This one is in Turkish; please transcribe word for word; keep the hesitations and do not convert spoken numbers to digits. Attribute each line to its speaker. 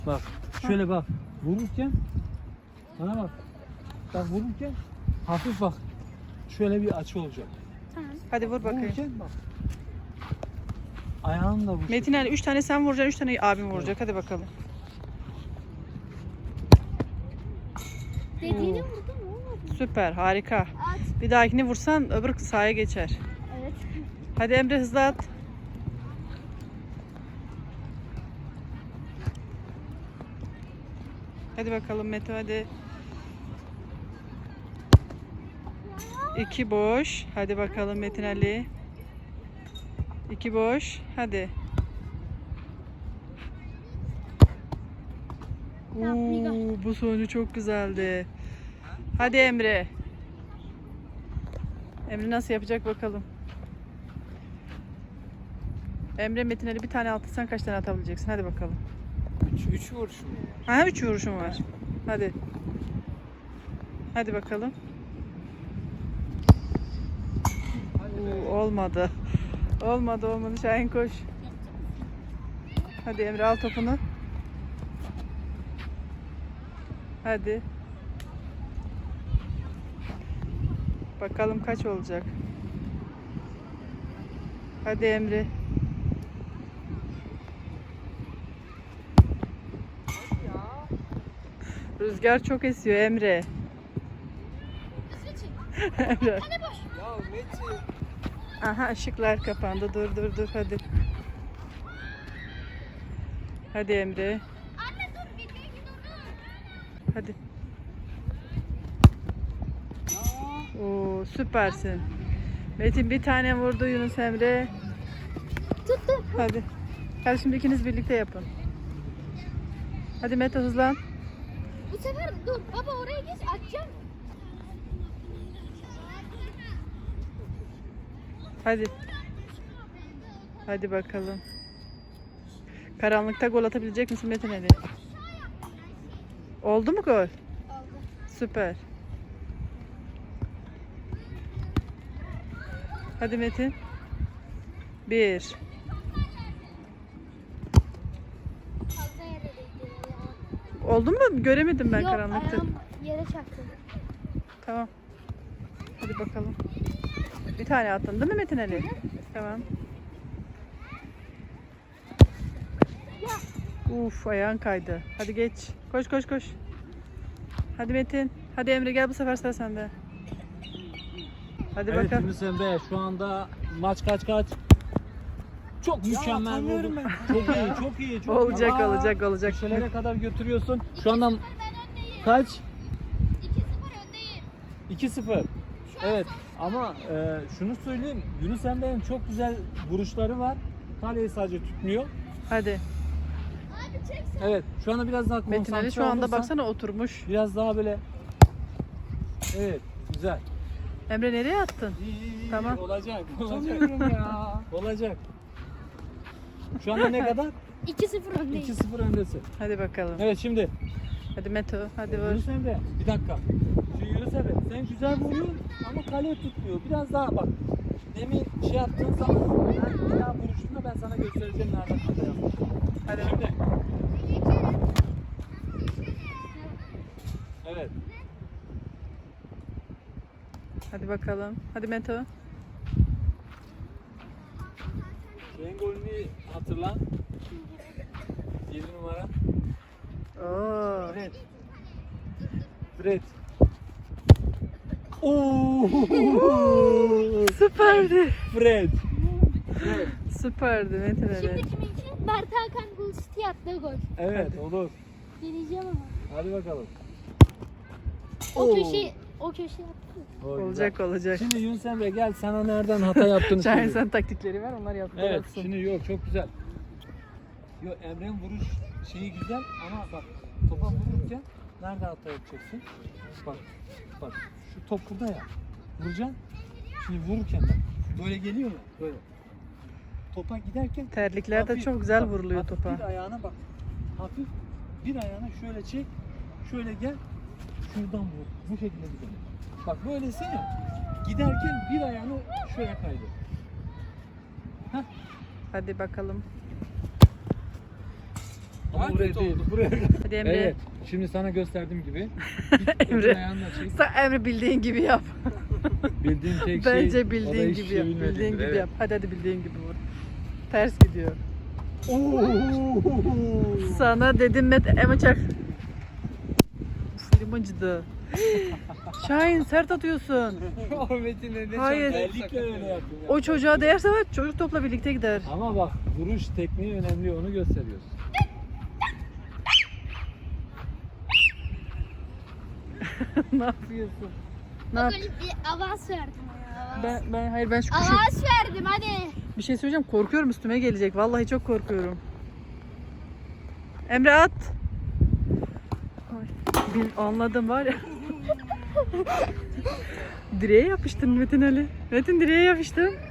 Speaker 1: Bak şöyle bak. Vururken bana bak. Bak vururken hafif bak. Şöyle bir açı olacak.
Speaker 2: Tamam.
Speaker 3: Hadi vur bakayım.
Speaker 1: Vururken bak. Ayağını da vur.
Speaker 3: Metin Ali üç tane sen vuracaksın, üç tane abim vuracak. Hadi bakalım.
Speaker 2: Dediğini vurdum olmadı.
Speaker 3: Süper, harika.
Speaker 2: At.
Speaker 3: Bir dahakini vursan öbür sahaya geçer.
Speaker 2: Evet.
Speaker 3: Hadi Emre hızlı at. Hadi bakalım Mete hadi. İki boş. Hadi bakalım Metin Ali. İki boş. Hadi. Oo, bu sonucu çok güzeldi. Hadi Emre. Emre nasıl yapacak bakalım. Emre Metin Ali bir tane attı. Sen kaç tane atabileceksin? Hadi bakalım.
Speaker 1: Üç, üç vuruşum var.
Speaker 3: Ha üç vuruşum var. Hadi. Hadi bakalım. Oo, olmadı. Olmadı olmadı. Şahin koş. Hadi Emre al topunu. Hadi. Bakalım kaç olacak. Hadi Emre. Rüzgar çok esiyor Emre. Emre.
Speaker 1: Ya Metin.
Speaker 3: Aha ışıklar kapandı. Dur dur dur hadi. Hadi Emre.
Speaker 2: Anne dur bir dur dur.
Speaker 3: Hadi. Oo süpersin. Metin bir tane vurdu Yunus Emre.
Speaker 2: Tuttum.
Speaker 3: Hadi. Hadi şimdi ikiniz birlikte yapın. Hadi Mete hızlan.
Speaker 2: Bu sefer dur baba oraya geç atacağım.
Speaker 3: Hadi. Hadi bakalım. Karanlıkta gol atabilecek misin Metin Ali? Oldu mu gol?
Speaker 2: Oldu.
Speaker 3: Süper. Hadi Metin. Bir.
Speaker 2: Fazla yere değdi.
Speaker 3: Oldu mu? Göremedim ben
Speaker 2: Yok,
Speaker 3: karanlıkta.
Speaker 2: ayağım yere çarptı.
Speaker 3: Tamam. Hadi bakalım. Bir tane attın değil mi Metin Ali? Tamam. Uf ayağın kaydı. Hadi geç. Koş koş koş. Hadi Metin. Hadi Emre gel bu sefer sıra sende. Hadi
Speaker 1: Evet
Speaker 3: bakalım.
Speaker 1: Yunus Emre şu anda maç kaç kaç? Çok mükemmel
Speaker 4: atamıyorum
Speaker 1: vurdun.
Speaker 4: ben.
Speaker 1: Çok iyi, çok iyi, çok
Speaker 3: Olacak
Speaker 1: iyi. Aa,
Speaker 3: olacak olacak.
Speaker 1: köşelere kadar götürüyorsun. Şu anda kaç?
Speaker 2: iki sıfır öndeyim.
Speaker 1: iki sıfır. Evet ama e, şunu söyleyeyim. Yunus Emre'nin çok güzel vuruşları var. Kaleyi sadece tutmuyor.
Speaker 3: Hadi.
Speaker 2: Abi çek sen.
Speaker 1: Evet şu anda biraz daha konsantre
Speaker 3: Metin Ali şu anda
Speaker 1: olursan
Speaker 3: baksana oturmuş.
Speaker 1: biraz daha böyle. Evet güzel.
Speaker 3: Emre nereye attın?
Speaker 1: İyi, iyi, iyi.
Speaker 3: Tamam.
Speaker 1: Olacak. Olacak.
Speaker 4: Atamıyorum ya.
Speaker 1: Olacak. Şu anda ne kadar?
Speaker 2: iki sıfır öndeyim.
Speaker 1: iki sıfır öndesin.
Speaker 3: Hadi bakalım.
Speaker 1: Evet şimdi.
Speaker 3: Hadi Meto. Hadi vur.
Speaker 1: Yunus Emre bir dakika. Şu Yunus Emre sen güzel vuruyorsun ama kale tutmuyor. Biraz daha bak. Demin şey yaptığın zaman ben bir daha vuruşunda ben sana göstereceğim nereden hata yapmışım.
Speaker 3: Hadi.
Speaker 1: Şimdi. Evet.
Speaker 3: Hadi bakalım. Hadi Meto.
Speaker 1: Şeyin golünü hatırla. yedi numara.
Speaker 3: Oo.
Speaker 1: Fred. Fred. Oo!
Speaker 3: Süperdi.
Speaker 1: Fred. Fred.
Speaker 3: Süperdi Metin Ali.
Speaker 2: Şimdi kiminki? Mert Hakan Gol City attığı gol.
Speaker 1: Evet olur.
Speaker 2: Deneyeceğim ama.
Speaker 1: Hadi bakalım.
Speaker 2: O
Speaker 1: Oo.
Speaker 2: köşe o köşe attı.
Speaker 1: O güzel.
Speaker 3: Olacak olacak.
Speaker 1: Şimdi Yunus Emre gel sana nereden hata yaptığını
Speaker 3: Şahin
Speaker 1: söyleyeyim.
Speaker 3: sen taktikleri ver onlar yaptı.
Speaker 1: Evet şimdi yok çok güzel. Yok Emre'nin vuruş şeyi güzel ama bak topa vururken nerede hata yapacaksın? Bak bak şu top burada ya. Vuracaksın. Şimdi vururken bak böyle geliyor ya böyle. Topa giderken
Speaker 3: Terlikler de
Speaker 1: hafif-
Speaker 3: çok güzel
Speaker 1: bak,
Speaker 3: vuruluyor
Speaker 1: hafif
Speaker 3: topa.
Speaker 1: Bir ayağına bak. Hafif bir ayağına şöyle çek. Şöyle gel. Şuradan vur. Bu şekilde gidelim. Bak böylesi ya. Giderken bir ayağını şöyle kaydır.
Speaker 3: Hadi bakalım.
Speaker 1: Ama
Speaker 4: Daha
Speaker 1: buraya
Speaker 4: kötü
Speaker 1: değil.
Speaker 4: oldu.
Speaker 1: Buraya.
Speaker 3: Hadi Emre.
Speaker 1: Evet. Şimdi sana gösterdiğim gibi. Git
Speaker 3: Emre.
Speaker 1: öbür ayağınla çek.
Speaker 3: Sen Emre bildiğin gibi yap.
Speaker 1: Bildiğim tek şey.
Speaker 3: Bence
Speaker 1: o da
Speaker 3: bildiğin
Speaker 1: hiçbir
Speaker 3: gibi
Speaker 1: şey
Speaker 3: yap.
Speaker 1: bilmediğimdir,
Speaker 3: Bildiğin gibi
Speaker 1: evet.
Speaker 3: yap. Hadi hadi bildiğin gibi vur. Ters gidiyor. Sana dedim Met Emre çak. Elim acıdı. Şahin sert atıyorsun.
Speaker 4: O Metin'le ne
Speaker 3: Hayır.
Speaker 4: çarptı,
Speaker 1: Özellikle
Speaker 4: sakatladı.
Speaker 1: öyle yaptım ya.
Speaker 3: O çocuğa değerse var çocuk topla birlikte gider.
Speaker 1: Ama bak vuruş tekniği önemli, onu gösteriyoruz.
Speaker 3: Ne yapıyorsun? Ne
Speaker 2: Bak
Speaker 3: yap?
Speaker 2: öyle bir avans verdim. ya, avans.
Speaker 3: Ben, ben hayır ben şu kuşu
Speaker 2: Avans verdim hadi.
Speaker 3: bir şey söyleyeceğim, korkuyorum üstüme gelecek. Vallahi çok korkuyorum. Emre at. Ay, bil, anladım var ya. Direğe yapıştın Metin Ali. Metin direğe yapıştın.